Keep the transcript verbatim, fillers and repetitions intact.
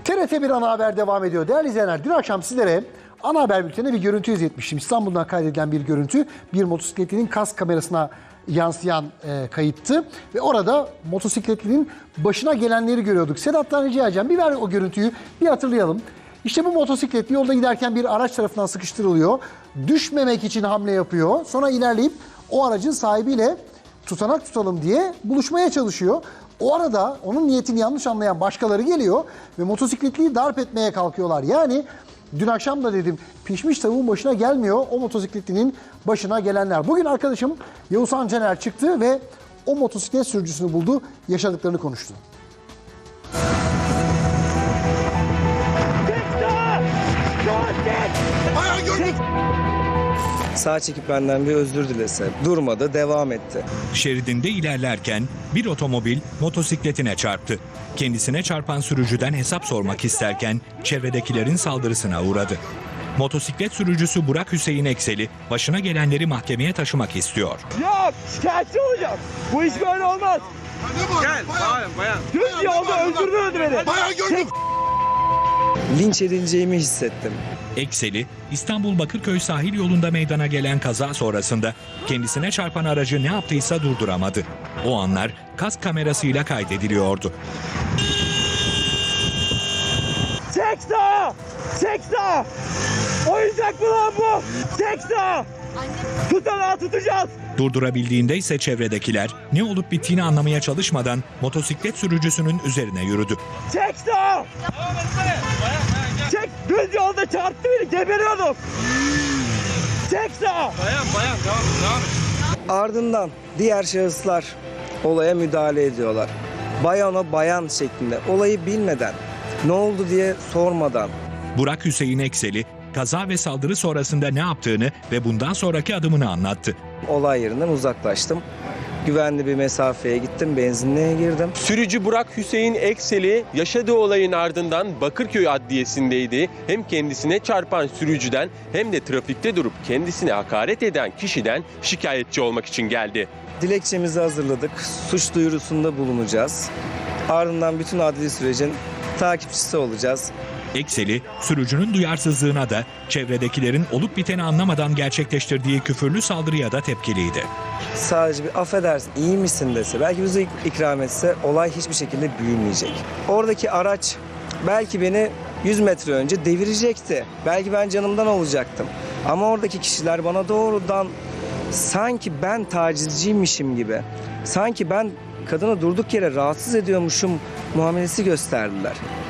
T R T bir ana haber devam ediyor. Değerli izleyenler, dün akşam sizlere ana haber bültenine bir görüntü izletmiştim. İstanbul'dan kaydedilen bir görüntü. Bir motosikletlinin kask kamerasına yansıyan e, kayıttı. Ve orada motosikletlinin başına gelenleri görüyorduk. Sedat'tan rica edeceğim, bir ver o görüntüyü, bir hatırlayalım. İşte bu motosikletli yolda giderken bir araç tarafından sıkıştırılıyor. Düşmemek için hamle yapıyor. Sonra ilerleyip o aracın sahibiyle tutanak tutalım diye buluşmaya çalışıyor. O arada onun niyetini yanlış anlayan başkaları geliyor ve motosikletliyi darp etmeye kalkıyorlar. Yani dün akşam da dedim, pişmiş tavuğun başına gelmiyor, o motosikletlinin başına gelenler. Bugün arkadaşım Yavuzhan Caner çıktı ve o motosiklet sürücüsünü buldu, yaşadıklarını konuştu. Sağ çekip benden bir özür dilese. Durmadı, devam etti. Şeridinde ilerlerken bir otomobil motosikletine çarptı. Kendisine çarpan sürücüden hesap sormak isterken çevredekilerin saldırısına uğradı. Motosiklet sürücüsü Burak Hüseyin Ekseli başına gelenleri mahkemeye taşımak istiyor. Yok, şikayetçi olacağım. Bu iş böyle olmaz. Gel, bayan, bayan. Düz yolda öldürdü beni. Bayan gördüm. Linç edileceğimi hissettim. Ekseli, İstanbul Bakırköy sahil yolunda meydana gelen kaza sonrasında kendisine çarpan aracı ne yaptıysa durduramadı. O anlar kask kamerasıyla kaydediliyordu. Çek sağa! Çek sağa! Oyuncak mı lan bu? Çek sağa! Tutanağı tutacağız. Durdurabildiğinde ise çevredekiler ne olup bittiğini anlamaya çalışmadan motosiklet sürücüsünün üzerine yürüdü. Çek sağa! Çek! Düz yolda çarptı beni, geberiyordum. Çek sağa! Bayan, bayan, devam, devam et. Ardından diğer şahıslar olaya müdahale ediyorlar. Bayana bayan şeklinde, olayı bilmeden, ne oldu diye sormadan. Burak Hüseyin Ekseli, kaza ve saldırı sonrasında ne yaptığını ve bundan sonraki adımını anlattı. Olay yerinden uzaklaştım. Güvenli bir mesafeye gittim, benzinliğe girdim. Sürücü Burak Hüseyin Ekseli yaşadığı olayın ardından Bakırköy Adliyesi'ndeydi. Hem kendisine çarpan sürücüden hem de trafikte durup kendisine hakaret eden kişiden şikayetçi olmak için geldi. Dilekçemizi hazırladık, suç duyurusunda bulunacağız. Ardından bütün adli sürecin takipçisi olacağız. Ekseli, sürücünün duyarsızlığına da çevredekilerin olup biteni anlamadan gerçekleştirdiği küfürlü saldırıya da tepkiliydi. Sadece bir affedersin, iyi misin dese, belki bize ikram etse olay hiçbir şekilde büyümeyecek. Oradaki araç belki beni yüz metre önce devirecekti. Belki ben canımdan olacaktım. Ama oradaki kişiler bana doğrudan sanki ben tacizciymişim gibi, sanki ben kadını durduk yere rahatsız ediyormuşum muamelesi gösterdiler.